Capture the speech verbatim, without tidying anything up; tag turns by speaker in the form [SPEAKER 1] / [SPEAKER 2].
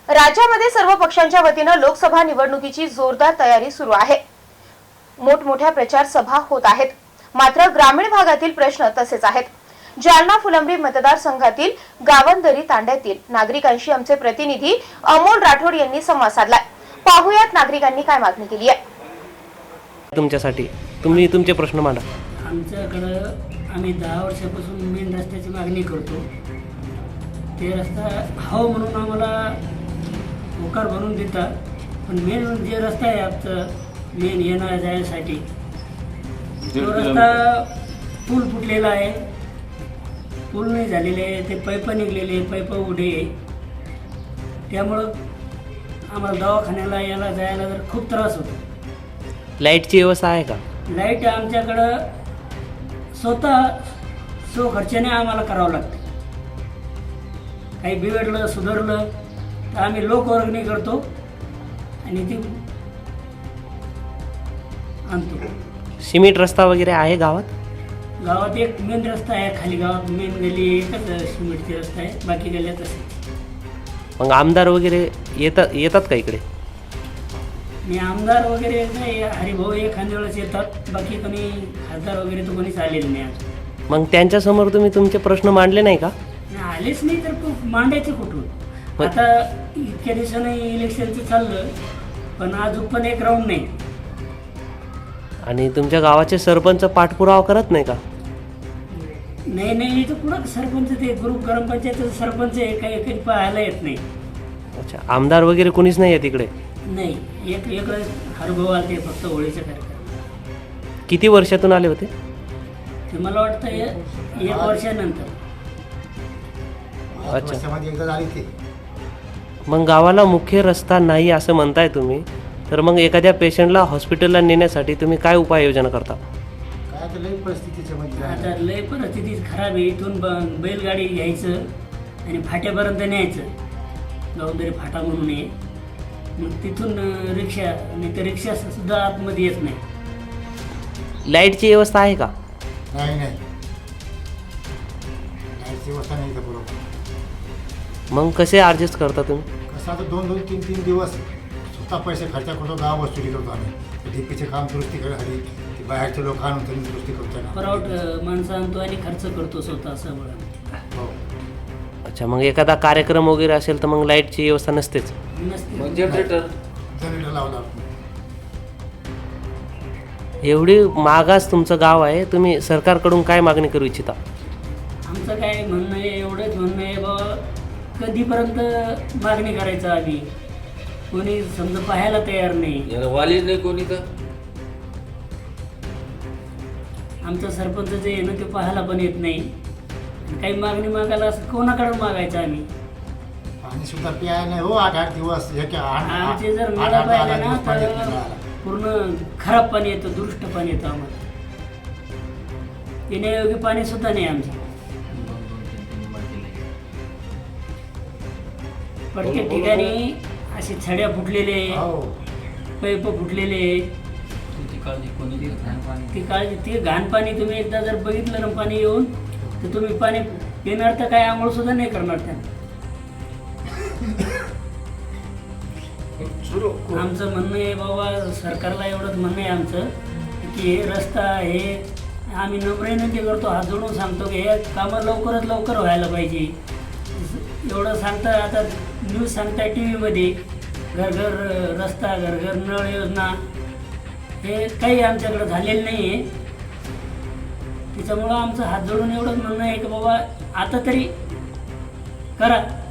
[SPEAKER 1] राज्यामध्ये सर्व पक्षांच्या वतीने लोकसभा निवडणुकीची जोरदार तयारी सुरू आहे। मोठमोठ्या प्रचार सभा होत आहेत, मात्र ग्रामीण भागातील प्रश्न तसेच आहेत। जालना फुलंब्री मतदारसंघातील गावंदरी तांड्यातील नागरिकांशी आमचे प्रतिनिधी अमोल राठोड यांनी संवाद साधलाय। पाहुयात नागरिकांनी काय मागणी केली आहे।
[SPEAKER 2] तुमच्यासाठी तुम्ही तुमचे प्रश्न मांडा।
[SPEAKER 3] आमच्याकडं आम्ही दहा वर्षापासून मेन रस्त्याची मागणी करतो। ते रस्ता हवं म्हणून आम्हाला होकार बनवून देतात, पण मेन जे रस्ता आहे आमचं मेन येण्या जाण्यासाठी तो रस्ता पूल फुटलेला आहे, पूल नाही झालेले आहे, ते पाईप निघलेले पाईप उडे, त्यामुळं आम्हाला दवाखान्याला यायला जायला जर खूप त्रास होतो।
[SPEAKER 2] लाईटची व्यवस्था आहे का?
[SPEAKER 3] लाईट आमच्याकडं स्वतः सो खर्चाने आम्हाला करावं लागतं। काही बिघडलं सुधारलं तर आम्ही लोकवर्गणी करतो आणि ती आणतो।
[SPEAKER 2] सिमेंट रस्ता वगैरे आहे गावात?
[SPEAKER 3] गावात एक मेन रस्ता आहे, खाली गावात मेन गली एकच सिमेंटची रस्ता आहे, बाकी गल्ल्यात असे।
[SPEAKER 2] मग आमदार वगैरे येतात येतात का इकडे?
[SPEAKER 3] आणि आमदार वगैरे नाही, हरिभाऊ एखाद्या वेळेस येतात, बाकी कोणी खासदार वगैरे तर कोणीच आलेलं नाही आज।
[SPEAKER 2] मग त्यांच्यासमोर तुम्ही तुमचे प्रश्न मांडले नाही का?
[SPEAKER 3] आलेच नाही तर मांडायचे कुठून? आता इतक्या दिवसानं इलेक्शनचं चाललं, पण आज पण एक राऊंड नाही।
[SPEAKER 2] आणि तुमच्या गावाचे सरपंच पाठपुरावा करत नाही का?
[SPEAKER 3] नाही नाही, इथं कुठं सरपंच, ते ग्रुप ग्रामपंचायत सरपंच आहे, काही काही पाहायला येत नाही।
[SPEAKER 2] अच्छा, आमदार वगैरे कोणीच नाही आहे तिकडे?
[SPEAKER 3] नाही, एक एक हरभाऊ आले ते फक्त होळीच्या कार्यक्रम।
[SPEAKER 2] किती वर्षातून आले होते
[SPEAKER 3] ते मला वाटतं एक वर्षानंतर।
[SPEAKER 2] अच्छा, मग गावाला मुख्य रस्ता नाही असं म्हणताय तुम्ही, तर मग एखाद्या पेशंटला हॉस्पिटलला नेण्यासाठी तुम्ही काय उपाययोजना करता?
[SPEAKER 3] आता लय परिस्थिती खराब आहे, इथून बैलगाडी घ्यायचं आणि फाट्यापर्यंत न्यायचं, गावंदरी फाटा म्हणून आहे, मग तिथून रिक्षा, नाही तर रिक्षा सुद्धा आतमध्ये येत नाही।
[SPEAKER 2] लाईटची व्यवस्था आहे का?
[SPEAKER 4] नाही नाही, लाईटची व्यवस्था नाही इथं बरोबर।
[SPEAKER 2] मग कसे ॲडजस्ट करता तुम्ही?
[SPEAKER 4] कसं आता दोन दोन तीन तीन दिवस स्वतः पैसे खर्च करतो, गाव वसुली करतो आम्ही। डीपीचे काम दुरुस्ती करायसाठी ते बाहेरचे लोक आणून त्यांनी दुरुस्ती करतो ना,
[SPEAKER 3] परवट माणसं आणतो आणि खर्च करतो स्वतः सगळं।
[SPEAKER 4] हो।
[SPEAKER 2] अच्छा, मग एखादा कार्यक्रम वगैरे असेल तर मग लाईटची व्यवस्था नसतेच?
[SPEAKER 3] नसते।
[SPEAKER 4] जनरेटर जनरेटर लावला।
[SPEAKER 2] एवढी मागास तुमचं गाव आहे, तुम्ही सरकारकडून काय मागणी करू इच्छिता?
[SPEAKER 3] आमचं काय म्हणणं आहे, एवढंच म्हणणं आहे बाबा, कधीपर्यंत मागणी करायचं आम्ही? कोणी समजा पाहायला तयार नाही,
[SPEAKER 5] वाली नाही कोणी तर।
[SPEAKER 3] आमचा सरपंच जे आहे ना ते पाहायला पण येत नाही, काही मागणी मागायला असं कोणाकडून मागायचं आम्ही?
[SPEAKER 4] पाणी सुद्धा प्याय नाही हो, आठ आठ दिवस एक आठ
[SPEAKER 3] आमचे जर
[SPEAKER 4] आठ-
[SPEAKER 3] मेळा
[SPEAKER 4] आठ-
[SPEAKER 3] पाहिजे
[SPEAKER 4] आठ
[SPEAKER 3] ना
[SPEAKER 4] दिवस पाणी येत
[SPEAKER 3] तर
[SPEAKER 4] नाही.
[SPEAKER 3] पूर्ण खराब पाणी येतं, दुष्ट पाणी येतं आम्हाला, पिण्यायोग्य पाणी सुद्धा नाही आमचं। प्रत्येक ठिकाणी असे छड्या फुटलेले,
[SPEAKER 4] हो।
[SPEAKER 3] पाईप फुटलेले, ती काळजी, ते घाण पाणी तुम्ही एकदा जर बघितलं ना पाणी येऊन, तर तुम्ही पाणी पिणार तर काय आंघोळ सुद्धा नाही करणार त्यांना। आमचं म्हणणं आहे बाबा, सरकारला एवढंच म्हणणं आहे आमचं की हे रस्ता हे आम्ही नम्र विनंती करतो, हात जोडून सांगतो की हे कामं लवकरात लवकर व्हायला पाहिजे। एवढं सांगता, आता न्यूज सांगताय टी व्हीमध्ये, घर घर रस्ता, घर घर नळ योजना, हे काही आमच्याकडे झालेलं नाही आहे। त्याच्यामुळं आमचं हात जोडून एवढंच म्हणणं आहे की बाबा आता तरी करा।